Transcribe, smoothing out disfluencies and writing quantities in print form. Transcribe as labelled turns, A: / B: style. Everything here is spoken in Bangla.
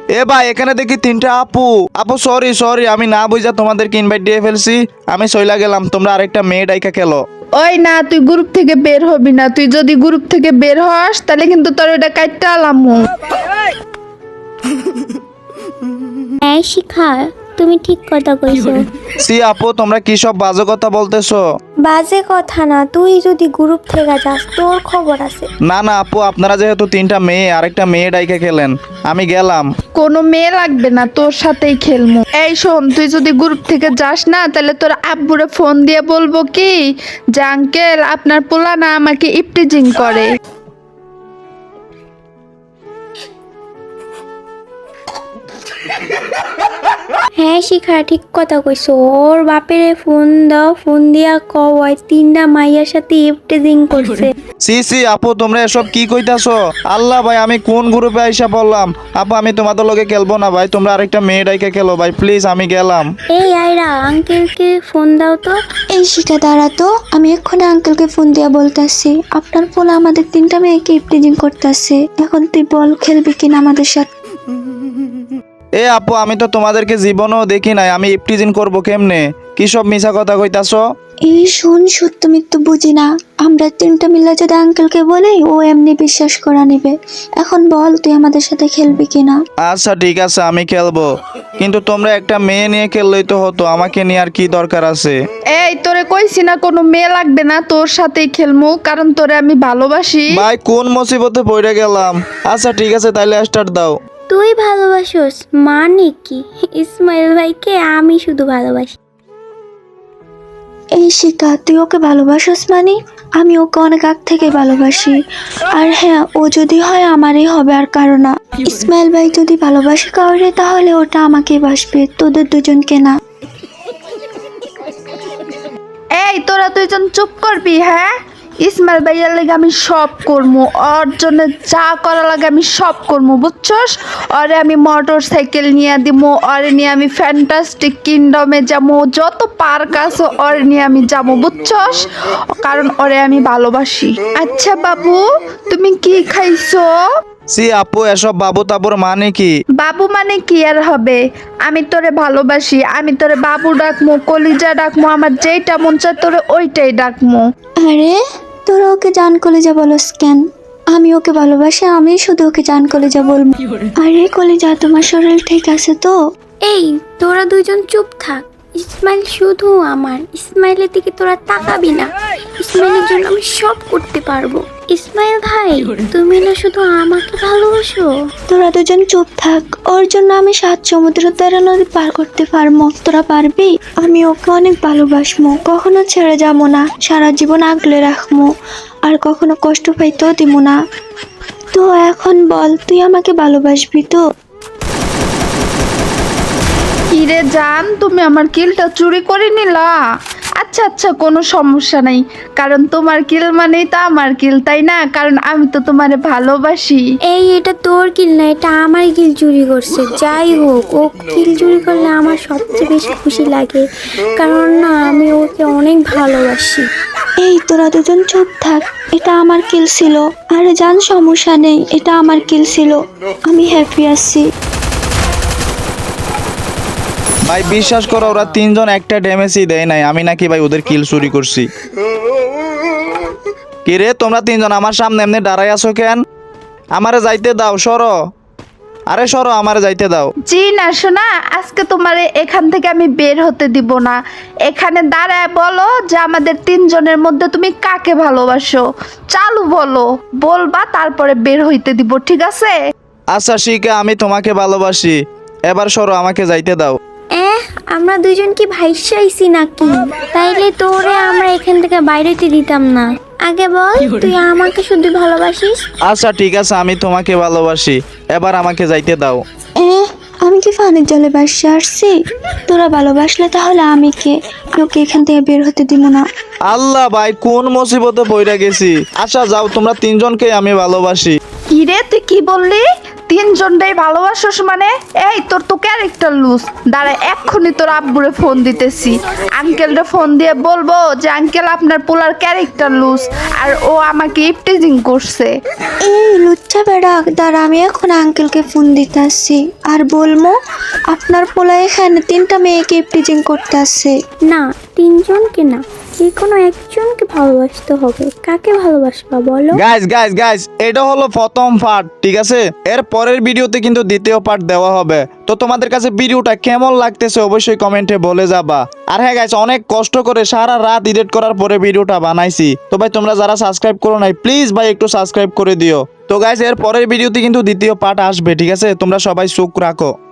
A: এ ভাই এখানে দেখি তিনটা আপু। আপু সরি সরি, আমি না বুঝা তোমাদেরকে ইনভাইট দিয়ে ফেলছি। আমি চইলা গেলাম, তোমরা আরেকটা মেয়ে ডাইকা খেলো।
B: ওই না, তুই গ্রুপ থেকে বের হবি না। তুই যদি গ্রুপ থেকে বের হস তাহলে কিন্তু তোর এটা কাটতে আলামু।
C: হ্যাঁ শিখা, তুমি ঠিক কথা কইছো।
A: সি আপু তোমরা কি সব বাজে কথা বলতেছো?
C: বাজে কথা না, তুই যদি গ্রুপ থেকে যাস তোর খবর আছে।
A: না না আপু, আপনারা যেহেতু তিনটা মেয়ে আরেকটা মেয়ে ডাইকা খেলেন, আমি গেলাম।
B: কোনো মেয়ে লাগবে না, তোর সাথেই খেলমু। এই শোন, তুই যদি গ্রুপ থেকে যাস না তাহলে তোর আব্বুরে ফোন দিয়ে বলবো কি যে আঙ্কেল আপনার পোলা না আমাকে ইপটিজিং করে।
C: হ্যাঁ শিখা, ঠিক কথা কইছো। ওর বাপেরে ফোন দাও, ফোন দিয়া কয় তিনটা মাইয়ার সাথে ইফটেজিং করছে।
A: সি সি আপু তোমরা এসব কি কইতাছো? আল্লাহ ভাই, আমি কোন গ্রুপে আইসা পড়লাম? আপু আমি তোমাদের লগে খেলবো না ভাই, তোমরা আরেকটা মেয়ে ডাইকা খেলো ভাই প্লিজ, আমি গেলাম।
C: এই আয়রা, আঙ্কেলকে ফোন দাও তো।
D: এই শিখা দাঁড়া তো, আমি এক্ষুনি আঙ্কেলকে ফোন দিয়া বলতেছি আপনার পোলা আমাদের তিনটা মেয়েকে ইপটিজিং করতেছে। এখন তুই বল খেলবি কিনা আমাদের সাথে।
A: এ আপু আমি তো তোমাদেরকে জীবনেও দেখি নাই, আমি ইপটিজিং করবো কেমনে? কি সব মিছা কথা কইতাছো?
D: এই শোন, সত্য মিথ্যু বুঝি না, আমরা তিনটা মিলে যদি আঙ্কেলকে বলি ও এমনি বিশ্বাস করা নিবে। এখন বল তুই আমাদের সাথে খেলবি কিনা।
A: আচ্ছা ঠিক আছে আমি খেলবো, কিন্তু তোমরা একটা মেয়ে নিয়ে খেললেই তো হতো, আমাকে নিয়ে আর কি দরকার আছে?
B: এই তোরে কইছি না কোনো মেয়ে লাগবে না, তোর সাথেই খেলমু, কারণ তোরে আমি ভালোবাসি।
A: ভাই কোন মুসিবতে পড়ে গেলাম। আচ্ছা ঠিক আছে তাইলে স্টার্ট দাও।
C: তুই ভালোবাসোস মানে কি? ইসমাইল ভাইকে আমি শুধু ভালোবাসি।
D: এই শিখা, তুই ওকে ভালোবাসিস মানে? আমি ওকে অনেক আগ থেকে ভালোবাসি। আর হ্যাঁ, ও যদি হয় আমারই হবে আর কারো না। ইসমাইল ভাই যদি ভালোবাসে কাউরে তাহলে ওটা আমাকেই বাসবে, তোদের দুজনকে না।
B: এই তোরা দুইজন চুপ করবি? হ্যাঁ, ইসমাইল ভাইয়ার লাগে আমি সব করবো, ওর জন্য যা করা লাগে আমি সব করবো, বুঝছস? ওরে আমি মোটর সাইকেল নিয়ে দিব, ওরে নিয়ে আমি ফ্যান্টাস্টিক কিংডমে যাবো, যত পার্ক আছে ওরে নিয়ে আমি যাবো, বুঝছস? কারণ ওরে আমি ভালোবাসি। আচ্ছা বাবু, তুমি কি খাইছো?
A: সি আপু এসব বাবু তাবুর মানে কি?
B: বাবু মানে কি আর হবে? আমি তোরে ভালোবাসি, আমি তোরে বাবু ডাকমু, কলিজা ডাকমু, আমার যেইটা মন চায় তোরে ওইটাই ডাকমু।
D: আরে তোরা ওকে জান কলেজা বলস কেন? আমি ওকে ভালোবাসি, আমি শুধু ওকে জান কলেজা বলবো। আরে কলেজা, তোমার শরীর ঠিক আছে তো?
C: এই তোরা দুইজন চুপ থাক। ইসমাইল শুধু আমার, ইসমাইলের দিকে তোরা তাকাবি না। ইসমাইলের জন্য আমি সব করতে পারবো। ইসমাইল ভাই, তুমি না শুধু আমাকে ভালোবাসো।
D: তোরা দুজন চুপ থাক, ওর জন্য আমি 7 সমুদ্র 13 নদী পার করতে পারবো। তোরা পারবি? আমি ওকে অনেক ভালোবাসবো, কখনো ছেড়ে যাবো না, সারা জীবন আগলে রাখবো, আর কখনো কষ্ট পাইতেও দিব না। তো এখন বল, তুই আমাকে ভালোবাসবি তো?
B: কিরে জান, তুমি আমার কিলটা চুরি করে নিলা? আচ্ছা আচ্ছা, কোনো সমস্যা নাই, কারণ তোমার কিল মানেই তো আমার কিল, তাই না? কারণ আমি তো তোমারে ভালোবাসি।
C: এই এটা তোর কিল না, এটা আমার কিল চুরি করছে। যাই হোক, ও কিল চুরি করলে আমার সবচেয়ে বেশি খুশি লাগে, কারণ না আমি ওকে অনেক ভালোবাসি।
D: এই তোরা দুজন চুপ থাক, এটা আমার কিল ছিল। আরে জান, সমস্যা নেই, এটা আমার কিল ছিল, আমি হ্যাপি আছি।
A: ভাই বিশ্বাস করো, ওরা তিনজন একটা ড্যামেজই দেয় নাই, আমি নাকি ভাই ওদের কিল চুরি করছি। কিরে তোমরা তিনজন আমার সামনে এমনি দাঁড়াই আছো কেন? আমারে যাইতে দাও, সরো। আরে সরো, আমারে যাইতে দাও।
B: জি না শোনা, আজকে তোমারে এখান থেকে আমি বের হতে দিব না। এখানে দাঁড়ায় বলো যে আমাদের তিনজনের মধ্যে তুমি কাকে ভালোবাসো। চালু বলো, বলবা তারপরে বের হইতে দিব, ঠিক আছে?
A: আচ্ছা শিখা, আমি তোমাকে ভালোবাসি, এবার সরো, আমাকে যাইতে দাও।
C: আমরা দুজন কি ভাইসাইছি নাকি? তাইলে তোরে আমরা এখান থেকে বাইরেতে দিতাম না। আগে বল, তুই আমাকে শুধু ভালোবাসিস?
A: আচ্ছা ঠিক আছে, আমি তোমাকে ভালোবাসি, এবার আমাকে যাইতে দাও।
D: আমি কি ফানের জলে বাসে আসছি? তোরা ভালোবাসলে তাহলে আমি কে? ওকে এখান থেকে বের হতে দিব না।
A: আল্লাহ ভাই, কোন মুসিবতে পড়ে গেছি। আচ্ছা যাও, তোমরা তিনজনকে আমি ভালোবাসি।
B: কিরে তুই কি বললি? তিনজনটাই ভালোবাসোস মানে? এই তোর তো ক্যারেক্টার লুজ। দাঁড়া এক্ষুনি তোর আব্বুরে ফোন দিতেছি, আঙ্কেলরে ফোন দিয়ে বলবো যে আঙ্কেল আপনার পোলার ক্যারেক্টার লুজ আর ও আমাকে ইফটিজিং করছে।
D: এই লুচ্চা বেড়া, দাঁড়া আমি এখন আঙ্কেলকে ফোন দিতে আসছি আর বলবো আপনার পোলা এখানে 3টা মেয়েকে ইফটিজিং করতে আসছে।
C: না, তিনজনকে না, যে কোনো একজনকে ভালোবাসতে হবে। কাকে ভালোবাসবা বলো?
A: গাইস এটা হলো প্রথম পার্ট, ঠিক আছে? এর পরের ভিডিওতে কিন্তু দ্বিতীয় পার্ট দেওয়া হবে। তো তোমাদের কাছে ভিডিওটা কেমন লাগতেছে অবশ্যই কমেন্টে বলে যাবা। আর হ্যাঁ গাইস, অনেক কষ্ট করে সারা রাত এডিট করার পরে ভিডিওটা বানাইছি। তো ভাই তোমরা যারা সাবস্ক্রাইব করো নাই প্লিজ ভাই একটু সাবস্ক্রাইব করে দিও। তো গাইস এর পরের ভিডিওতে কিন্তু দ্বিতীয় পার্ট আসবে, ঠিক আছে? তোমরা সবাই চোখ রাখো।